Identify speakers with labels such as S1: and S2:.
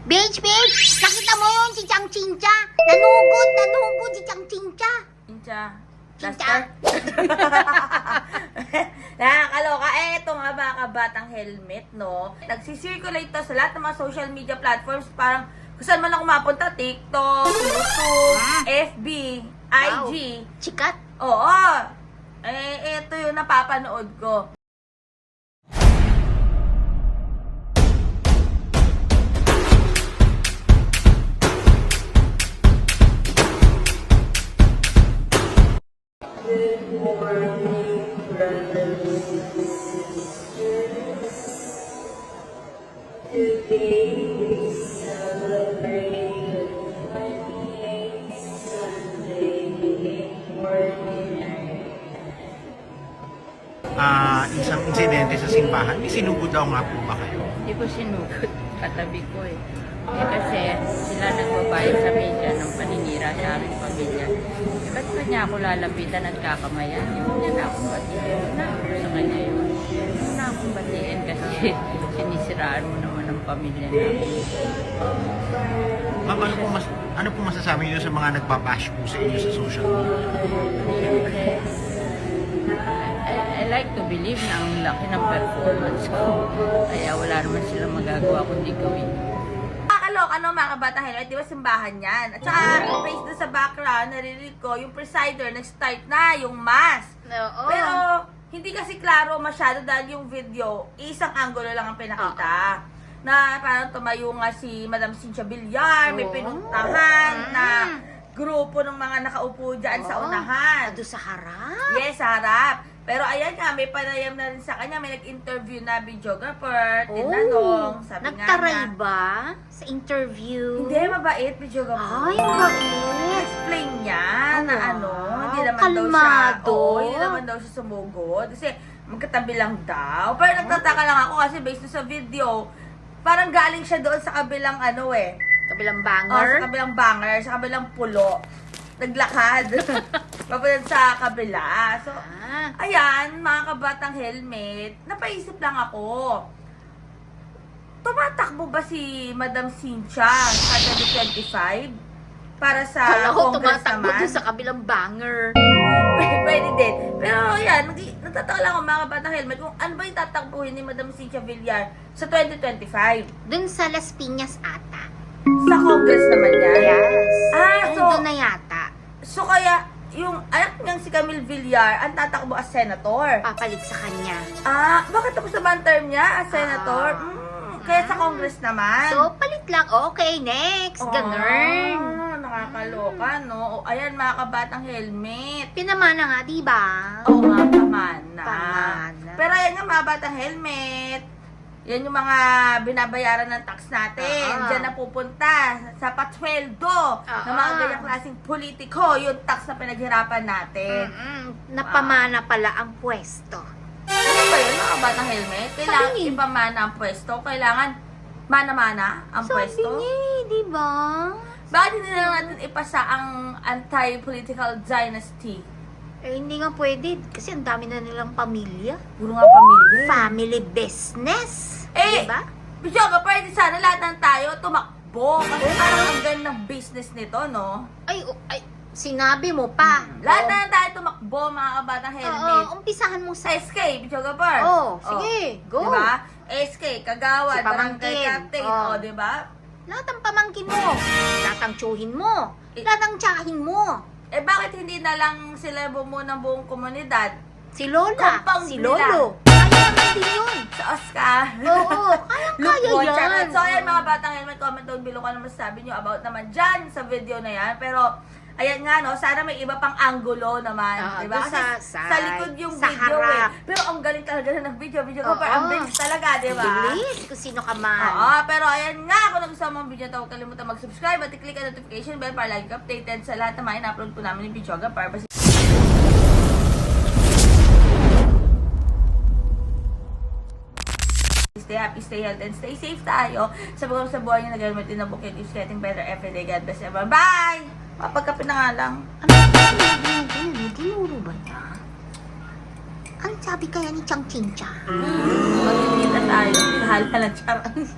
S1: Beach, nakita mo yun si Chang Chincha? Nanugod si Chang Chincha.
S2: Chincha.
S1: Chincha.
S2: Nakakaloka. Eto nga mga kabatang helmet, no? Nagsisirculate to sa lahat ng mga social media platforms. Parang kung saan man ako mapunta, TikTok, YouTube, FB, IG.
S1: Chikat.
S2: Oo. Eto yung napapanood ko.
S3: Isang insidente sa simbahan. May sinugod daw nga po ba kayo?
S4: Hindi ko sinugod. Katabi ko eh. Kasi sila nagbabayad sa media ng paninira sa aming pamilya. Ba't ba niya ako lalapitan at kakamayan? Hindi na akong batiin. Na sa kanya yun. Hindi na akong batiin kasi sinisiraan mo naman ang pamilya namin.
S3: Ma'am, ano po masasabi niyo sa mga nagbabash po sa inyo sa social media?
S4: I like to believe na ang laki ng performance ko. Kaya wala naman silang magagawa kundi gawin.
S2: Ano mga kabatang helmet, di ba simbahan yan? At saka, based doon sa background, narinig ko, yung presider, nag-start na yung mass.
S1: Oo.
S2: Pero, hindi kasi klaro masyado dahil yung video, isang angulo lang ang pinakita. Na parang tumayo nga si Madam Cynthia Villar, may pinuntahan na grupo ng mga nakaupo dyan sa unahan.
S1: Doon sa harap.
S2: Yes, sa harap. Pero ayan nga, may panayam na rin sa kanya. May nag-interview na videographer, tinanong, sabi nga
S1: Nagtaray
S2: na,
S1: ba sa interview?
S2: hindi, mabait videographer.
S1: Ay, mabait.
S2: Explain niya na ano, hindi naman
S1: kalmado.
S2: daw siya, hindi naman daw siya sumugod. Kasi magkatabi lang daw. Pero nagtataka lang ako kasi based sa video, parang galing siya doon sa kabilang ano
S1: Kabilang
S2: sa
S1: banger.
S2: kabilang banger, sa kabilang pulo. Naglakad. Papunta sa kabila. So, ayan, mga kabatang helmet, napaisip lang ako. Tumatakbo ba si Madam Cynthia sa 2025? Para sa
S1: Kala ko
S2: Congress
S1: tumatakbo
S2: naman?
S1: doon sa kabilang banger.
S2: Pwede din. Pero yan, nagtataka lang ako mga kabatang helmet kung ano ba yung tatakbuhin ni Madam Cynthia Villar sa 2025.
S1: Doon sa Las Piñas ata.
S2: Sa Congress naman yan.
S1: Yes.
S2: So,
S1: doon na yata.
S2: So kaya, yung anak niyang si Camille Villar ang tatakbo as senator.
S1: Papalit sa kanya.
S2: Bakit tapos na ba ang term niya as senator? Kaya sa Congress naman.
S1: So, palit lang. Okay, next. Ganun.
S2: Nakakaloka, no? O, ayan, mga kabatang helmet.
S1: Pinamana nga, di ba?
S2: Oo nga, pamana.
S1: Pamana.
S2: Pero ayan nga, mga batang helmet. Yan yung mga binabayaran ng tax natin. Diyan na pupunta sa patsweldo ng mga ganyang klaseng politiko, yung tax na pinaghirapan natin.
S1: Napamana pala ang pwesto.
S2: Ano ba yun, mga batang helmet? Kailangan ipamana ang pwesto? Kailangan mana-mana ang pwesto?
S1: Sabi niya, di ba?
S2: Bakit hindi na lang natin ipasa ang anti-political dynasty?
S1: Hindi nga pwede. Kasi ang dami na nilang pamilya.
S2: Puro nga pamilya.
S1: Family business. Diba?
S2: Bijoga, pwede sana lahat ng tayo tumakbo. Kasi parang ang ganda ng business nito, no?
S1: Ay, sinabi mo pa.
S2: Lahat na tayo tumakbo, mga kabatang helmet.
S1: Umpisahan mo sa...
S2: SK, Bijoga Bar.
S1: Sige, go.
S2: Diba? SK, Kagawad,
S1: Si Pamangkin.
S2: Barangay Captain. Diba?
S1: Lahat ang pamangkin mo. Lahat ang tsuhin mo. Lahat ang tsahin mo.
S2: Bakit hindi na lang sila bumuo ng buong komunidad?
S1: Si Lola,
S2: Compound
S1: si
S2: nila.
S1: Lolo. Kaya naman din yun.
S2: Sa Oscar.
S1: Oo, kaya yan.
S2: So, ayan mga batang helmet, comment down below kung ano masasabi nyo about naman dyan sa video na yan. Pero, ayan nga, no, sana may iba pang angulo naman. Diba?
S1: doon
S2: Kasi
S1: sa
S2: sa likod yung
S1: sa
S2: video
S1: harap.
S2: Pero ang galing talaga na ng video. Video ko pa, ang bilis talaga, diba?
S1: Bilis, kung sino ka man.
S2: Oo, pero ayan nga, kung nagustuhan mo ang video na huwag kalimutan mag-subscribe at i-click ang notification bell para lagi ka updated sa lahat ng mga in-upload po namin ni Bijoga para stay happy, stay healthy, and stay safe tayo sa buhay niyo na gamit din na bukid is getting better every day. God bless everyone. Bye! Mapagkape na nga lang.
S1: Ano sinabi mo din? Tinuro ba niya? Ang sabi kaya ni Chang Chincha?
S2: Magkikita tayo. Bahala na, charot.